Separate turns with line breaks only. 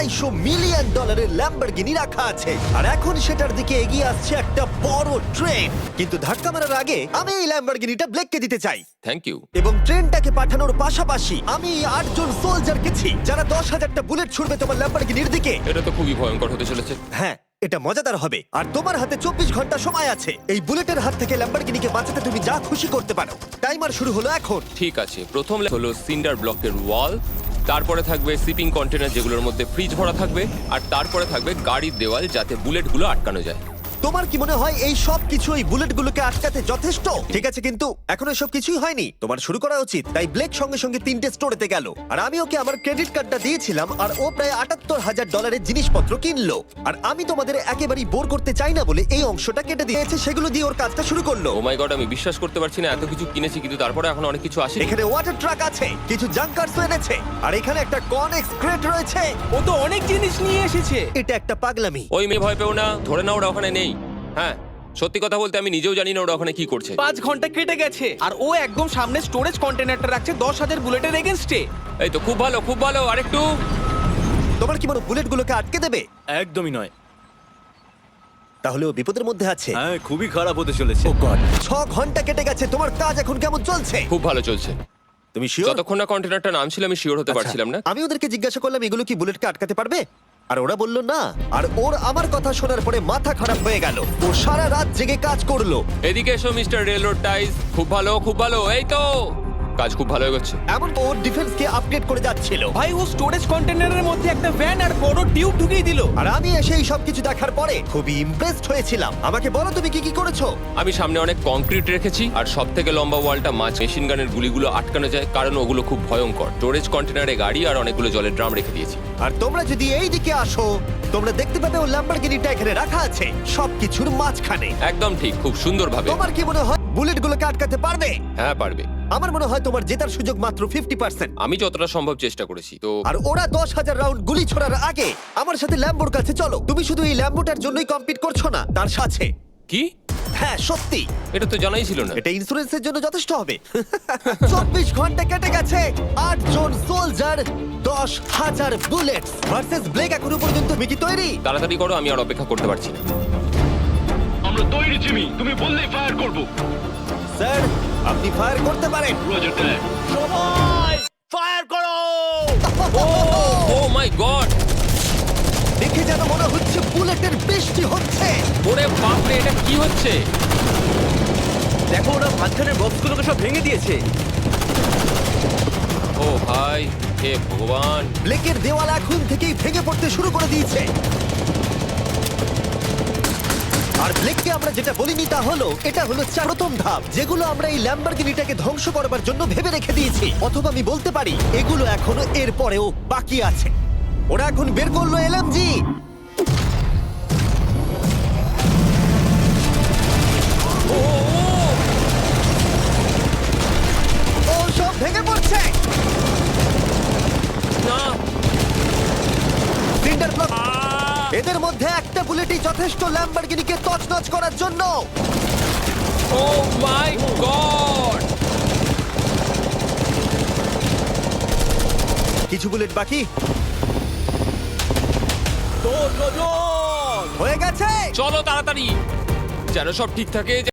Million ডলারের Lamborghini রাখা আছে আর এখন সেটার দিকে এগিয়ে আসছে একটা বড় ট্রেন। কিন্তু ধাক্কা মারার আগে আমি এই ল্যাম্বরগিনিটা ব্লেককে দিতে চাই।
Thank you.
এবং ট্রেনটাকে পাঠানোর পাশাপাশি আমি এই 8 জন সোলজার গেছি যারা 10,000টা বুলেট ছুড়বে তোমার ল্যাম্বরগিনির দিকে।
এটা তো খুবই ভয়ঙ্কর হতে চলেছে।
হ্যাঁ, এটা মজাদার হবে। আর তোমার হাতে 24 ঘন্টা সময় আছে এই বুলেটের হাত থেকে ল্যাম্বরগিনিকে বাঁচাতে। তুমি যা খুশি করতে পারো। টাইমার শুরু হলো এখন।
ঠিক আছে, প্রথম হলো সিন্ডার ব্লকের ওয়াল, তারপরে থাকবে শিপিং কন্টেনার যেগুলোর মধ্যে ফ্রিজ ভরা থাকবে, আর তারপরে থাকবে গাড়ির দেওয়াল যাতে বুলেটগুলো আটকানো যায়।
তোমার কি মনে হয় এই সব কিছু এই বুলেটগুলোকে আটকাতে যথেষ্ট? ঠিক আছে, কিন্তু এখনো সব কিছুই হয়নি। তোমার শুরু করা উচিত। তাই ব্লেক সঙ্গে সঙ্গে 3টে স্টোরেতে গেল আর আমি ওকে আমার ক্রেডিট কার্ডটা দিয়েছিলাম আর ও প্রায় $78,000 জিনিসপত্র কিনলো। আর আমি তোমাদের একেবারেই বোর করতে চাই না বলে এই অংশটা কেটে দিয়েছে। সেগুলো দিয়ে ওর কাজটা শুরু করলো।
ও মাই গড, আমি বিশ্বাস করতে পারছি না এত কিছু কিনেছি কিন্তু তারপরে এখন অনেক কিছু আসে।
এখানে ওয়াটার ট্রাক আছে, কিছু জাঙ্কারস এনেছে আর এখানে একটা কনেক্স ক্রেট রয়েছে।
ও তো অনেক জিনিস নিয়ে এসেছে।
এটা একটা পাগলামি।
ওই মেয়ে ভয় পেও না, ধরে না ওরা ওখানে নেই। হ্যাঁ, সত্যি কথা বলতে আমি নিজেও জানি না ওরা ওখানে কি করছে।
5 ঘন্টা কেটে গেছে আর ও একদম সামনে স্টোরেজ কন্টেনারটা রাখছে 10,000 বুলেটের এগেনস্টে।
এই তো খুব ভালো, খুব ভালো। আরেকটু।
তোমার কি মনে বুলেটগুলোকে আটকে দেবে?
একদমই নয়।
তাহলে ও বিপদের মধ্যে আছে।
হ্যাঁ, খুবই খারাপ হতে চলেছে।
ও গড, 6 ঘন্টা কেটে গেছে। তোমার কাজ এখন কেমন চলছে?
খুব ভালো চলছে।
তুমি শিওর?
যতক্ষণ না কন্টেনারটা নামছিল আমি শিওর হতে পারছিলাম না।
আমি ওদেরকে জিজ্ঞাসা করলাম এগুলো কি বুলেটকে আটকাতে পারবে, আর ওরা বলল না। আর ওর আমার কথা শোনার পরে মাথা খারাপ হয়ে গেল। ও সারা রাত জেগে কাজ করলো।
এদিকে এসো মিস্টার রেলরোড টাইজ। খুব ভালো, খুব ভালো। এই তো কাজ খুব ভালো এগোচ্ছে।
এমন ওর ডিফেন্সকে আপডেট করে যাচ্ছিল।
ভাই ও স্টোরেজ কন্টেনারের মধ্যে একটা ভ্যান আর বড় টিউব ঢুকিয়ে দিল।
আর আমি এসে এই সবকিছু দেখার পরে খুবই ইমপ্রেসড হয়েছিলাম। আমাকে বলো তুমি কি কি করেছো?
আমি সামনে অনেক কংক্রিট রেখেছি আর সব থেকে লম্বা ওয়ালটা মাছ মেশিন গানের গুলিগুলো আটকানো যায়, কারণ ওগুলো খুব ভয়ঙ্কর। স্টোরেজ কন্টেনারে গাড়ি আর অনেকগুলো জলের ড্রাম রেখে দিয়েছি।
আর তোমরা যদি এই দিকে আসো তোমরা দেখতে পাবে ও ল্যাম্বরগিনিটা এখানে রাখা আছে সবকিছুর মাঝখানে।
একদম ঠিক, খুব সুন্দরভাবে।
তোমার কি মনে হয় বুলেটগুলোকে আটকাতে পারবে?
হ্যাঁ, পারবে।
আমার মনে হয় তোমার জেতার সুযোগ মাত্র 50%।
আমি যতটা সম্ভব চেষ্টা করেছি। তো
আর ওরা 10,000 রাউন্ড গুলি ছোড়ার আগে আমার সাথে ল্যাম্বোর কাছে চলো। তুমি শুধু এই ল্যাম্বোটার জন্যই কম্পিট করছো না, তার সাথে।
কি?
হ্যাঁ সত্যি,
এটা তো জানাই ছিল না।
এটা ইন্স্যুরেন্সের জন্য যথেষ্ট হবে। 24 ঘন্টা কেটে গেছে, 8 জন সোলজার, 10,000 বুলেটস ভার্সেস ব্লেক। এখনো পর্যন্ত তুমি কি তৈরি?
তাড়াতাড়ি করো, আমি আর অপেক্ষা করতে পারছি না।
আমরা তৈরি জিমি, তুমি বললেই ফায়ার করব।
স্যার, আপনি ফায়ার করতে পারেন।
রোজার দ্যাট।
সবাই ফায়ার করো!
Oh my God!
দেখে যেন মনে হচ্ছে বুলেটের বৃষ্টি হচ্ছে।
ওরে বাপরে, এটা কি হচ্ছে?
দেখো, ওরা মাঝখানের বক্সগুলোকে সব ভেঙে দিয়েছে।
ও ভাই, হে ভগবান!
ব্লেকের দেওয়াল এখন থেকেই ভেঙে পড়তে শুরু করে দিয়েছে। আর ব্লেককে আমরা যেটা বলিনি তা হলো এটা হলো প্রথম ধাপ, যেগুলো আমরা এই ল্যাম্বরগিনিটাকে ধ্বংস করবার জন্য ভেবে রেখে দিয়েছি। অথবা আমি বলতে পারি এগুলো এখনো এর পরেও বাকি আছে। ওরা এখন বের করলো এলএমজি। ও সব ভেঙে পড়ছে।
না!
Cinder block. এদের মধ্যে একটা বুলেটই যথেষ্ট ল্যাম্বরগিনিকে তছনছ করার জন্য।
ও মাই গড!
কিছু বুলেট বাকি
দৌড়, রোজন!
হয়ে গেছে।
চলো তাড়াতাড়ি, যেন সব ঠিক থাকে।